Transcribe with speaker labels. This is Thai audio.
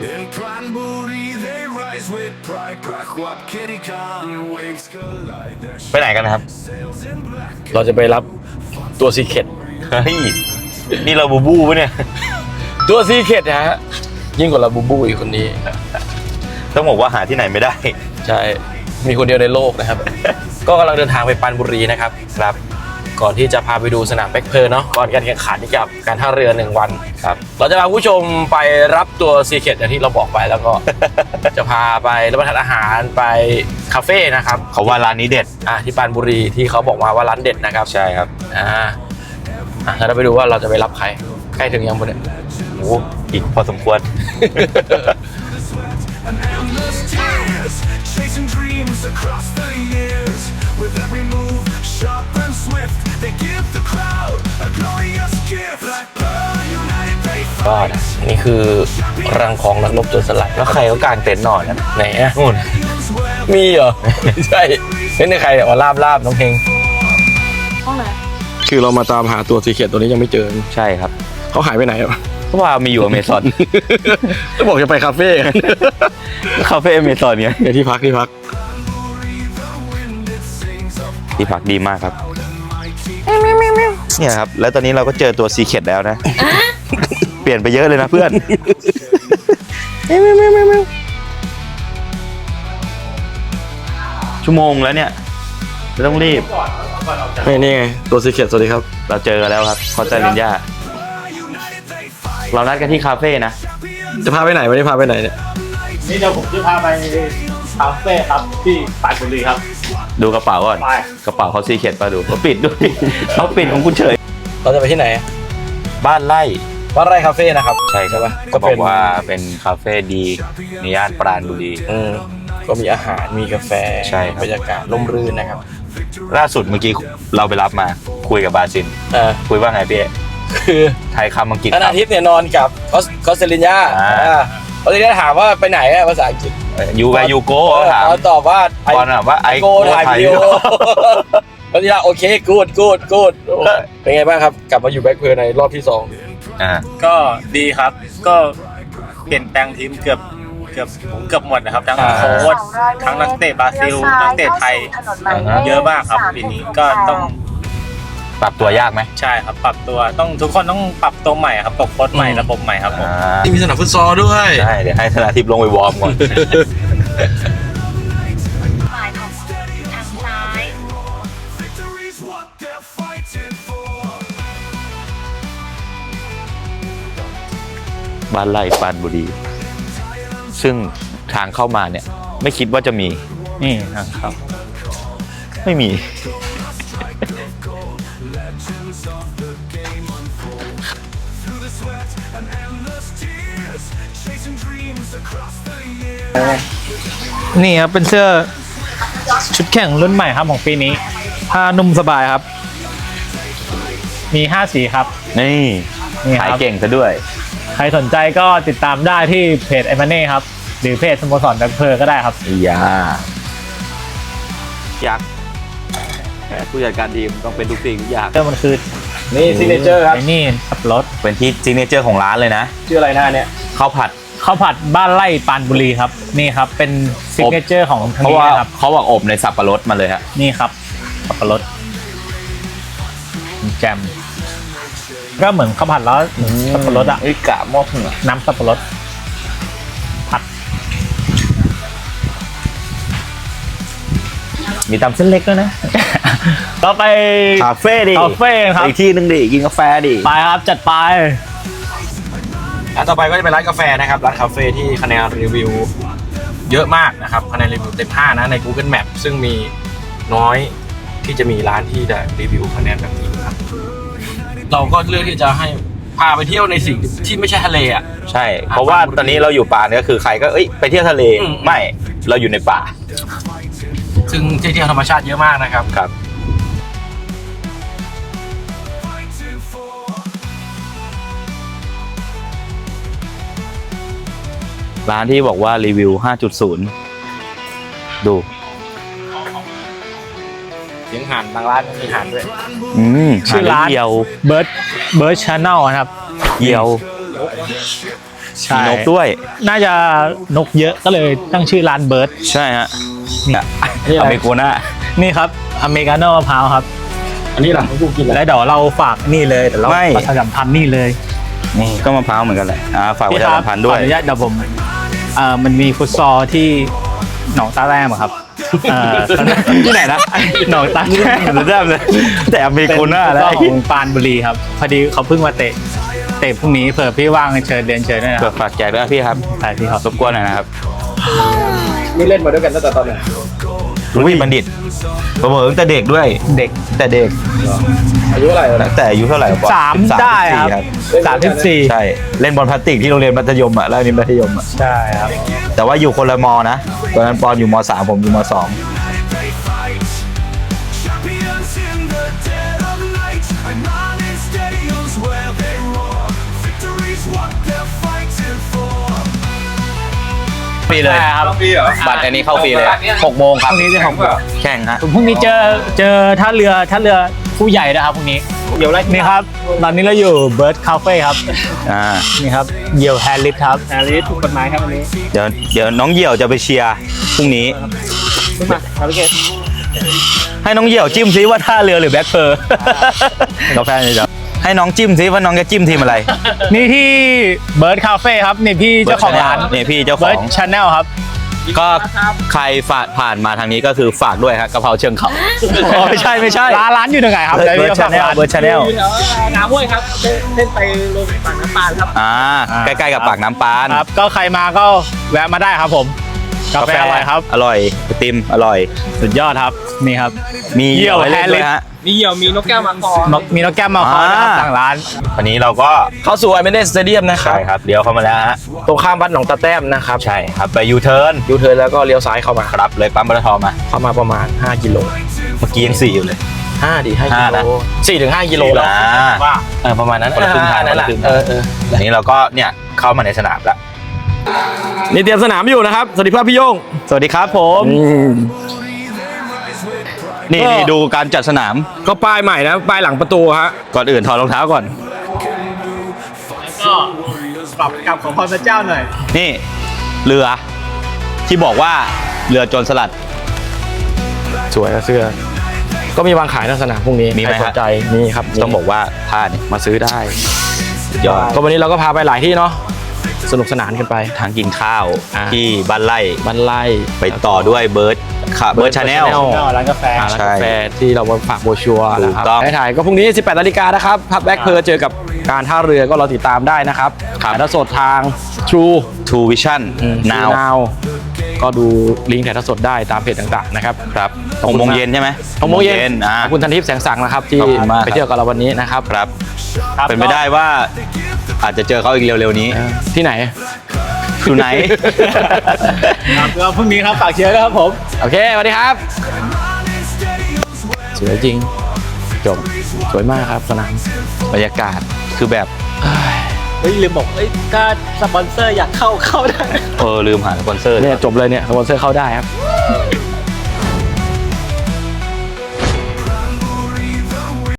Speaker 1: In Pranbury they rise with pride. Prakwap Kitty Khan waves collide. Their
Speaker 2: ไปไหนกันนะครับ
Speaker 1: sails in black.
Speaker 3: เราจะไปรับตัวซีเคร็ต
Speaker 2: เฮ้ยนี่เราบูบูปะเนี่ย
Speaker 3: ตัวซีเคร็ตนะฮะยิ่งกว่าลาบูบูอีกคนนี้
Speaker 2: ต้องบอกว่าหาที่ไหนไม่ได้
Speaker 3: ใช่มีคนเดียวในโลกนะครับ ก็กำลังเดินทางไปปรานบุรีนะครับครับก่อนที่จะพาไปดูสนามแบ็คเพลเนาะก่อนการแข่งขันกับการท่าเรือ1 วันครับเราจะพาผู้ชมไปรับตัวซีเคร็ตอย่างที่เราบอกไปแล้วก็ จะพาไปรับประทานอาหารไปคาเฟ่นะครับ
Speaker 2: เขาว่าร้านนี้เด็ด
Speaker 3: ที่ปรานบุรีที่เขาบอกมาว่าร้านเด็ดนะครับ
Speaker 2: ใช่ครับ
Speaker 3: แล้วเราไปดูว่าเราจะไปรับใครใกล้ถึงยังบนเนี่ย
Speaker 2: โอ้อีกพอสมควร
Speaker 1: And endless tears, chasing dreams across the years. With every move, sharp and swift, they give the crowd a glorious gift. Like pearl united they
Speaker 3: ก็
Speaker 1: fight.
Speaker 3: นี่คือรังของนักรบโจรสลัด
Speaker 2: แล้วใครเขากางเต็นท์นอนนะ
Speaker 3: ไหนอะ
Speaker 2: นู่น
Speaker 3: มีเหรอ ใช่นี่ใครเนี่ยลาบน้องเพลง
Speaker 4: ห้องไหน
Speaker 3: คือเรามาตามหาตัวซีเคร็ตตัวนี้ยังไม่เจอ
Speaker 2: ใช่ครับ
Speaker 3: เขาหายไปไหนอ่ะ
Speaker 2: เขาว่ามีอยู่อเมซอน
Speaker 3: แล้วบอกจะไปคาเฟ่
Speaker 2: คาเฟ่อเมซอนไง
Speaker 3: เดี๋ยวที่พัก
Speaker 2: ที่พักดีมากครับเนี่ยครับแล้วตอนนี้เราก็เจอตัวซีเคร็ตแล้วนะ เปลี่ยนไปเยอะเลยนะเพื่อน ชั่วโมงแล้วเนี่ยไม่ต้องรีบ
Speaker 3: นี่ไงตัวซีเคร็ตสวัสดีครับ
Speaker 2: เราเจอกันแล้วครับคอสตารินยาเรานัดกันที่คาเฟ่นะ
Speaker 3: จะพาไปไหนวันนี้พาไปไหนเนี่ย
Speaker 5: นี่เดี๋ยวผมจะพาไปคาเฟ่ครับที่ปรานบุรีครับ
Speaker 2: ดูกระเป๋าก่อน
Speaker 5: ไป
Speaker 2: กระเป๋าเขาซีเคร็ตมาดูเขาปิดด้วย เขาปิดของคุณเฉย
Speaker 3: เราจะไปที่ไหน
Speaker 2: บ้านไร่
Speaker 3: วัดไร่คาเฟ่นะครับ
Speaker 2: ใช่ครับ
Speaker 3: ปะ
Speaker 2: ก็บอกว่าเป็นคาเฟ่ดีในย่านปราณบุรี
Speaker 3: ก็มีอาหารมีกาแฟ
Speaker 2: ใช่ครับ
Speaker 3: บรรยากาศร่มรื่นนะครับ
Speaker 2: ล่าสุดเมื่อกี้เราไปรับมาคุยกับบาซิน คุยว่าไงพี่เอ๊ะ
Speaker 3: คือ
Speaker 2: ไทยคำอังกฤษ
Speaker 3: ธนาทิพย์เนี่ยนอนกับคอสเตลินยาคอสเตลินยาถามว่าไปไหนอะภาษาอังกฤษ
Speaker 2: ยูแวร์ยูโก้ถาม
Speaker 3: เขาตอบว่า
Speaker 2: ตอนถามว่าไอ
Speaker 3: โกถ่ายวิดีโอคอสเตลินยาโอเคกูดเป็นไงบ้างครับกลับมาอยู่แบ็คเพลในรอบที่
Speaker 5: ก็ดีครับ ก็เปลี่ยนแปลงทีมเกือบหมดนะครับ ทั้งโค้ชทั้งนักเตะบราซิลนักเตะไทยเยอะมากครับปีนี้ก็ต้อง
Speaker 2: ปรับตัวยากไหม
Speaker 5: ใช่ครับปรับตัวต้องทุกคนต้องปรับตัวใหม่ครับตกโค้ชใหม่ระบบใหม่ครับผม
Speaker 3: 2ที่มีสนามฟุตซอลด้วย
Speaker 2: ใช่เดี๋ยวให้ธนาทิพย์ลงไปวอร์มก่อน
Speaker 4: หมายของทางซ้าย
Speaker 1: Victory's what they're fighting for.
Speaker 2: บ้านไร่ปราณบุรี ซึ่งทางเข้ามาเนี่ยไม่คิดว่าจะมี
Speaker 5: นี่นะครับ
Speaker 2: ไม่มี
Speaker 1: Chasing dreams across the years.
Speaker 5: นี่ครับเป็นเสื้อชุดแข่งรุ่นใหม่ครับของปีนี้ผ้านุ่มสบายครับ มี5สีครับ
Speaker 2: นี่
Speaker 5: นี่ครับ
Speaker 2: ขายเก่งซะด้วย
Speaker 5: ใครสนใจก็ติดตามได้ที่เพจไอมาเน่ครับหรือเพจสโมสรแบ็คเพลก็ได้ครับ
Speaker 2: อย่ายักษ์ผู้จัดการทีมต้องเป็นทุกสิ่งทุกอย่าง
Speaker 5: เสื้อมันคือ
Speaker 3: นี่ซิกเนเจอร์ครับ
Speaker 5: ไอ้นี่สับปะรด
Speaker 2: เป็นที่ซิกเนเจอร์ของร้านเลยนะ
Speaker 3: ชื่ออะไรหน้าเนี่ย
Speaker 2: ข้าวผัด
Speaker 5: ข้าวผัดบ้านไร่ปรานบุรีครับนี่ครับเป็นซิกเนเจอร์ของทาง
Speaker 2: เพราะ
Speaker 5: นี้
Speaker 2: ว่า
Speaker 5: นะครับ
Speaker 2: เขาบอกอบในสับปะรดมาเลยฮะ
Speaker 5: นี่ครับสับปะรดแจมก็เหมือนข้าวผัดแล้วเหมือนสับปะรดอะ
Speaker 2: ไอ้กะมอกเหรอ
Speaker 5: น้ำสับปะรดผัด
Speaker 2: มีตำเส้นเล็กด้วยนะ
Speaker 5: ต่อไป
Speaker 2: คาเฟ่ดิ
Speaker 5: คาเฟ่ครับ
Speaker 2: อีกที่หนึงดิกินกาแฟดิ
Speaker 5: ไปครับจัดไป
Speaker 3: ต่อไปก็จะเป็นร้านกาแฟนะครับร้านคาเฟ่ที่คะแนนรีวิวเยอะมากนะครับคะแนนรีวิวเต็ม5นะใน Google Map ซึ่งมีน้อยที่จะมีร้านที่จะรีวิวคะแนนแบบนี้ครับเราก็เลือกที่จะให้พาไปเที่ยวในสิ่งที่ไม่ใช่ทะเลอ่ะ
Speaker 2: ใช่ เพราะว่าตอนนี้เราอยู่ป่าเนี่ยก็คือใครก็ไปเที่ยวทะเล ไม่เราอยู่ในป่า
Speaker 3: ซึ่งที่เที่ยวธรรมชาติเยอะมากนะครับ
Speaker 2: ครับ ร้านที่บอกว่ารีวิว 5.0 ดู
Speaker 3: เสียงห่านบางร้านมีห่านด้วย
Speaker 5: ชื่อร้าน
Speaker 2: เยียว
Speaker 5: เบิร์ดชาแนลครับ
Speaker 2: เยียว
Speaker 4: ใช่
Speaker 2: มีนกด้วย
Speaker 4: น่าจะนกเยอะก็เลยตั้งชื่อร้านเบิร์ด
Speaker 2: ใช่ฮะ
Speaker 4: นี่
Speaker 2: อเมโกน่า
Speaker 4: นี่ครับอเมริกาโน่มะพร้าวครับ
Speaker 3: อันนี้หลังของกูกินแล้ว
Speaker 4: แล้วเดี๋ยวเราฝากนี่เลยเดี๋ยวเราประชาสัมพันธ์นี่เลย
Speaker 2: นี่ก็มะพร้าวเหมือนกันแหละฝากประชาสัมพันธ์ด้ว
Speaker 4: ขอย อนุญาตเดี๋ยวผมมันมีฟุตซอลที่หนองตาแรมอะครับที่ไหนนะหนองตาแรม
Speaker 2: เริ่มเลยแต่อเมโกน่า
Speaker 4: เป็น
Speaker 2: แล้ว
Speaker 4: ฟุตซอลของปรานบุรีครับพอดีเขาเพิ่งมาเตะพรุ่งนี้เผื่อพี่ว่างเชิญเรียนเชิญด้วยนะค
Speaker 2: เปิ
Speaker 4: รั
Speaker 2: ด
Speaker 4: บ
Speaker 2: ฝากแจกด้วยพี่ครับ
Speaker 4: ใช่พี่ครับ
Speaker 2: รบกวนหน่อยนะครับ
Speaker 3: นี่เล่นมาด้วยกันตั้งแต่ตอนไหน
Speaker 2: รุ่นบัณฑิตผมเหมือนตั้งแต่เด็กด้วย
Speaker 4: เด็ก
Speaker 2: แต่เด็ก
Speaker 3: อายุเท่าไหร่แล้ว
Speaker 2: ตั้งแต่อายุเท่าไหร่วะ
Speaker 4: 3ได้ครับ34
Speaker 2: ใช่เล่นบอลพลาสติกที่โรงเรียนมัธยมอ่ะแล้วอันนี้มัธยมอ่ะ
Speaker 4: ใช่ครับ
Speaker 2: แต่ว่าอยู่คนละมอนะตอนนั้นปอนอยู่ม3ผมอยู่ม2
Speaker 1: They fight. Champions in the dead of night. I'm on in stadiums where they roar. Victory's what they're fighting for.
Speaker 2: ฟรีเลย
Speaker 4: ใช่ครับ
Speaker 2: บัตรอันนี้เข้าฟรีเลย6 โมงครับ
Speaker 4: พรุ่งนี้จะ6 โมง
Speaker 2: แข่งฮะ
Speaker 4: พรุ่งนี้เจอท่าเรือผู้ใหญ่นะครับพรุ่งนี้นี่ครับตอนนี้เราอยู่เบิร์ดคาเฟ่ครับ นี่ครับเหยี่ยวแฮร์ริสครับแฮร์ริสถูกกฎหมายครับวันนี้
Speaker 2: เดี๋ยวน้องเหยี่ยวจะไปเชียร์พรุ่งนี้
Speaker 4: ขึ้นมาครับพี่เกศ
Speaker 2: ให้น้องเหยี่ยวจิ้มซิว่าท่าเรือหรือแบ็คเพอร์กาแฟนี่จ้ะให้น้องจิ้มซิว่าน้องจะจิ้มทีมอะไร
Speaker 4: นี่ที่เบิร์ดคาเฟ่ครับนี่พี่เจ้าของร้าน
Speaker 2: นี่พี่เจ้าข
Speaker 4: เบิ
Speaker 2: อ
Speaker 4: ร์ด
Speaker 2: ง
Speaker 4: ชาแนลครับ
Speaker 2: ก็ใครผ่านมาทางนี้ก็คือฝากด้วยครับกะเพราเชิงเขาอ๋อไม่ใช่
Speaker 4: ร้านอยู่ตรงไหนครับ
Speaker 2: เบิร์ดชาแนลเบิร์ดชาแนล
Speaker 5: น้ำห้วยครับเส้นไปลงปากน้ำปานครับ
Speaker 2: ใกล้ๆกับปากน้ำปาน
Speaker 4: ครับก็ใครมาก็แวะมาได้ครับผมกาแฟอร่อยครับ
Speaker 2: อร่อยไอติมอร่อย
Speaker 4: สุดยอดครับนี่ครับ
Speaker 2: มี
Speaker 4: เหยี่ยว
Speaker 2: ให้เล่น
Speaker 4: แฮร์ริส
Speaker 2: ด้วยฮะ
Speaker 5: มีเหยี่ยวมีนกแก้วมาคอ
Speaker 4: มีนกแก้วมาคอนะครับทางร้าน
Speaker 2: วันนี้เราก็
Speaker 3: เข้าสู่ไอเมเนสสเตเดียมนะครั
Speaker 2: ใช่
Speaker 3: บ
Speaker 2: ครับเดี๋ยวเข้ามาแล้วฮะ
Speaker 3: ตรงข้ามวัดหนองตาแต้มนะครับ
Speaker 2: ใช่ครับไปยูเทิร์น
Speaker 3: ยูเทิร์นแล้วก็เลี้ยวซ้ายเข้ามา
Speaker 2: ครับเลยปั๊มปตทมา
Speaker 3: เข้ามาประมาณ5กิโล
Speaker 2: เมื่อกี้ยัง4อยู่เลย
Speaker 3: 5 5
Speaker 2: ห้า
Speaker 3: กิ
Speaker 2: นะ
Speaker 3: โล4 ถึง 5 กิโลแล้ว
Speaker 2: ว่า
Speaker 3: ประมาณนั้น
Speaker 2: คนละครึ่งทาง
Speaker 3: นั่นแหละ
Speaker 2: คนละครึ่งทาง อันนี้เราก็เนี่ยเข้ามาในสนามแล้ว
Speaker 3: นี่เตรียมสนามอยู่นะครับสวัสดีครับพี่โย่ง
Speaker 2: สวัสดีครับผม นี่ดูการจัดสนาม
Speaker 3: ก็ป้ายใหม่นะป้ายหลังประตูฮะ
Speaker 2: ก่อนอื่นถอดรองเท้าก่อน
Speaker 4: ก็ปรับกับของพระเจ้าหน่อย
Speaker 2: นี่เรือที่บอกว่าเรือโจรสลัด
Speaker 3: สวยนะเสื้อ ก็มีวางขายในสนามพรุ่งนี้
Speaker 2: มีไหม
Speaker 3: ใครสนใจนี่ครับ
Speaker 2: ต้องบอกว่าท่าเนี่ยมาซื้อได้สุดยอด
Speaker 3: ก็วันนี้เราก็พาไปหลายที่เนาะสนุกสนานกันไป
Speaker 2: ทางกินข้าว
Speaker 3: อ่า
Speaker 2: ที่บ้านไร่
Speaker 3: บ้านไร่
Speaker 2: ไปต่อด้วยเบิร์ดเบิร์ดชาแนล
Speaker 4: ร้านกาแฟ
Speaker 3: ร้าน
Speaker 2: ใช่
Speaker 3: กาแฟที่เรามาฝากโบรชัวร์นะครับ
Speaker 2: ถูกต้อง
Speaker 3: ให้ถ่ายก็พรุ่งนี้ 18 นาฬิกานะครับพับแบ็คเพอร์เจอกับการท่าเรือก็เราติดตามได้นะครับ
Speaker 2: ครับ
Speaker 3: ถ่ายทอดสดทาง True
Speaker 2: True Vision Now
Speaker 3: Now ก็ดูลิงก์ถ่ายทอดสดได้ตามเพจต่างๆนะครับ
Speaker 2: ครับ6 โมงเย็นใช่ไหม
Speaker 3: 6 โมงเย็น
Speaker 2: อ่า
Speaker 3: ขอบคุณทันทิพย์แสงสังนะครับที่
Speaker 2: ขอบคุณมาก
Speaker 3: ไปเที่ยวกับเราวันนี้นะครับ
Speaker 2: ครับ เป็นไปได้ว่าอาจจะเจอเขาอีกเร็วๆนี้
Speaker 3: ที่ไหน
Speaker 2: อยู่ไหน
Speaker 4: ครับแล้วพรุ่งนี้ครับฝากเชียร์ด้วยครับผม
Speaker 3: โอเคสวัสดีครับ สวยจริง จบ สวยมากครับสนาม
Speaker 2: บรรยากาศคือแบบ
Speaker 4: เฮ้ยลืมบอกถ้าสปอนเซอร์อยากเข้าได้
Speaker 2: ลืมหาสปอนเซอร์
Speaker 3: เนี่ยจบเลยเนี่ยสปอนเซอร์เข้าได้ครับ